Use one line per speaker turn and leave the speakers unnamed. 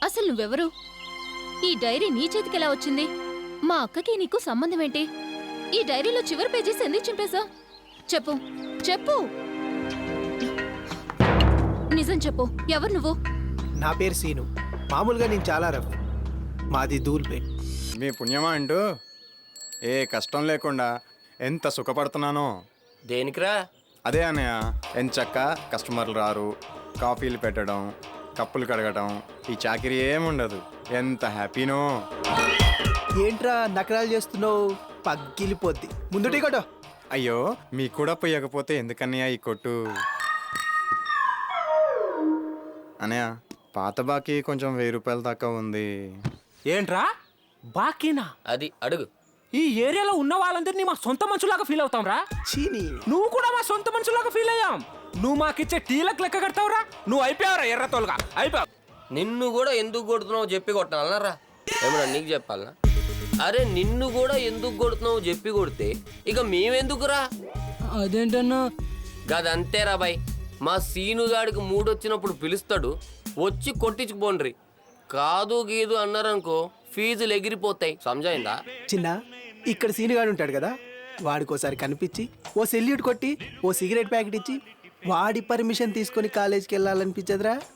అసలు నువ్వెవరు? ఈ డైరీ నీ చేతికెలా వచ్చింది? మా అక్కకి నీకు సంబంధం ఏంటి? ఈ డైరీలో చివరి పేజీస్ ఎందుకు చింపేశా? చెప్పు చెప్పు, నిజం చెప్పు, ఎవరు నువ్వు?
నా పేరు సీను. మామూలుగా నేను చాలా రఫ్. మాది ధూల్పేట్.
మీ పుణ్యమా అంటూ ఏ కష్టం లేకుండా ఎంత సుఖపడుతున్నానో.
దేనికిరా?
అదే అన్నయ్య, ఎంచక్క కస్టమర్లు రారు, కాఫీలు పెట్టడం, కప్పులు కడగడం, ఈ చాకిరీ ఏముండదు. ఎంత హ్యాపీనో.
ఏంట్రా నకరాలు చేస్తున్నావు? పగ్గిలిపోద్ది. ముందు టీ కొట్టు.
అయ్యో, మీకు కూడా పోయకపోతే ఎందుకన్నయ్య ఈ కొట్టు? అన్నయ్య, పాత బాకీ కొంచెం 1000 రూపాయల దాకా ఉంది.
ఏంట్రా బాకీనా?
అది అడుగు.
ఈ ఏరియాలో ఉన్న వాళ్ళందరినీ మా సొంత మనుషులాగా ఫీల్ అవుతాంరా.
చీని.
నువ్వు కూడా మా సొంత మనుషులాగా ఫీల్ అయ్యాం. నువ్వు మాకిచ్చే టీలకు లెక్క కడతావురా. నువ్వు అయిపోయావురా ఎర్రతోలుగా, అయిపోయావు.
నిన్ను కూడా ఎందుకు కొడుతున్నావు చెప్పి కొట్టాలన్నారా? ఏమన్నా నీకు చెప్పాలనా? అరే నిన్ను కూడా ఎందుకు కొడుతున్నావు చెప్పి కొడితే ఇక మేమెందుకురా?
అదేంటన్నా?
గదంతేరా బాయ్. మా సీనుగాడికి మూడొచ్చినప్పుడు పిలుస్తాడు, వచ్చి కొట్టించుకుపోండ్రి. కాదు గీదు అన్నారనుకో ఫీజులు ఎగిరిపోతాయి. సమజైందా?
చిన్న, ఇక్కడ సీనుగాడు ఉంటాడు కదా, వాడికోసారి కనిపించి ఓ సెల్యూట్ కొట్టి ఓ సిగరెట్ ప్యాకెట్ ఇచ్చి వాడి పర్మిషన్ తీసుకొని కాలేజీకి వెళ్ళాలనిపించదురా?